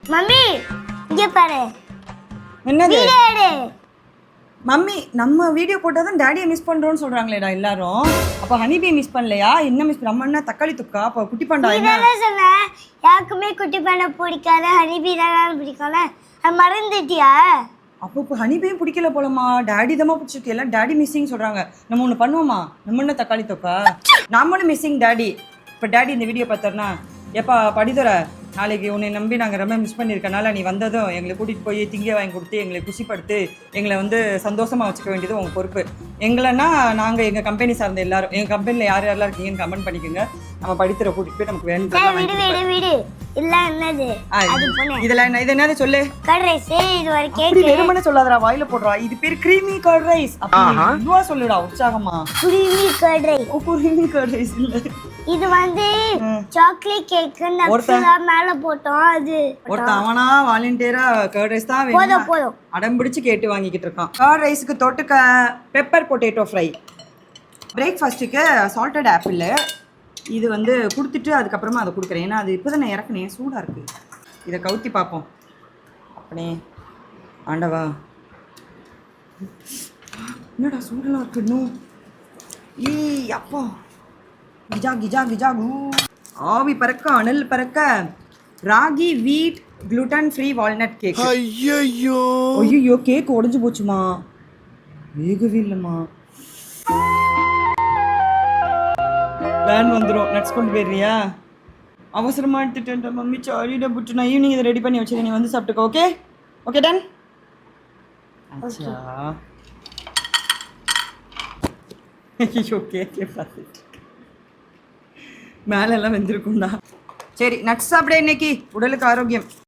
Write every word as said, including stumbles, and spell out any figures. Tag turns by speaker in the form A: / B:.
A: Mummy இங்க பாரு.
B: என்னது
A: வீடியோ
B: மம்மி நம்ம வீடியோ போட்டால் தான் டேடியை மிஸ் பண்ணுறோன்னு சொல்கிறாங்களேடா எல்லாரும். அப்போ ஹனிபி மிஸ் பண்ணலையா? என்ன மிஸ் நம்ம என்ன தக்காளி தொக்கா? அப்போ குட்டி பாண்டா என்ன
A: சொன்ன? யாருக்குமே குட்டி பாண்டா பிடிக்காத, ஹனிபி தான் பிடிக்கல. அது மறந்துட்டியா?
B: அப்போ இப்போ ஹனிபியும் பிடிக்கல போலமா. டேடி தான் பிடிச்சிருக்கு. எல்லாம் டேடி மிஸ்ஸிங் சொல்கிறாங்க. நம்ம ஒன்று பண்ணுவோமா? நம்ம என்ன தக்காளி தொக்கா? நம்மளும் மிஸ்ஸிங் டேடி. இப்போ டேடி இந்த வீடியோ பார்த்தாருனா, எப்பா படிதுற நாளைக்கு உன்னை நம்பி நாங்கள் ரொம்ப மிஸ் பண்ணியிருக்கனால நீ வந்ததும் எங்களை கூட்டிகிட்டு போய் திங்க வாங்கி கொடுத்து எங்களை குஷிப்படுத்து எங்களை வந்து சந்தோஷமாக வச்சுக்க வேண்டியது உங்கள் பொறுப்பு. எங்களைன்னா நாங்கள் எங்கள் கம்பெனி சார்ந்த எல்லாரும், எங்கள் கம்பெனியில் யார் யாரெல்லாம் இருக்கீங்கன்னு கமெண்ட் பண்ணிக்கோங்க. நம்ம படித்துற கூட்டிகிட்டு போய் நமக்கு வேணும். இதெல்லாம் என்ன? இது என்னது சொல்லு.
A: Curd rice. இது ஒரு கேக்.
B: வெறுமனே சொல்லாதடா, வாயில போடுறா. இது பேர் கிரீமி கர்ட் ரைஸ். அப்படி இதுவா சொல்லுடா உற்சாகமா.
A: Creamy curd rice.
B: ஓ கிரீமி கர்ட் ரைஸ் இல்ல.
A: இது வந்து சாக்லேட் கேக் நட்ஸ்ல மேல போட்டோம். அது
B: ஒருத்த அவனா வாலண்டியரா கர்ட் ரைஸ் தான்
A: வேணும் போதும்
B: அடம் பிடிச்சு கேட்டு வாங்கிக்கிட்டு இருக்கான். கர்ட் ரைஸ்க்கு தொட்டுக்க பெப்பர் பொட்டேட்டோ ஃப்ரை. பிரேக்ஃபாஸ்ட்டுக்கு சால்டட் ஆப்பிள். இது வந்து கொடுத்துட்டு அதுக்கப்புறமா அதை கொடுக்குறேன். ஏன்னா அது இப்போ தான் நான் இறக்குனேன், சூடாக இருக்குது. இதை கவுத்தி பார்ப்போம். அப்படியே ஆண்டவா, என்னடா சூடெல்லாம் இருக்கு இன்னும். ஈ அப்பா, கிஜா கிஜா கிஜா கூ. ஆவி பறக்க அனல் பறக்க ராகி வீட் குளுட்டன் ஃப்ரீ வால்நட் கேக். ஐயோ ஐயோ, கேக் உடஞ்சி போச்சுமா. வேகவே இல்லைம்மா. வேன் வந்துடும். நட்ஸ் கொண்டு போயிடுறியா? அவசரமாக எடுத்துட்டேன் மம்மி, சாரிடா புட்டு. நான் ஈவினிங் இதை ரெடி பண்ணி வச்சுருக்கேன், நீ வந்து சாப்பிட்டுக்கோ. Okay okay done. அச்சா ஓகே ஓகே பார்த்துட்டு மேலெல்லாம் வெந்திருக்கும்டா. சரி நட்ஸ் சாப்பிட இன்னைக்கு உடலுக்கு ஆரோக்கியம்.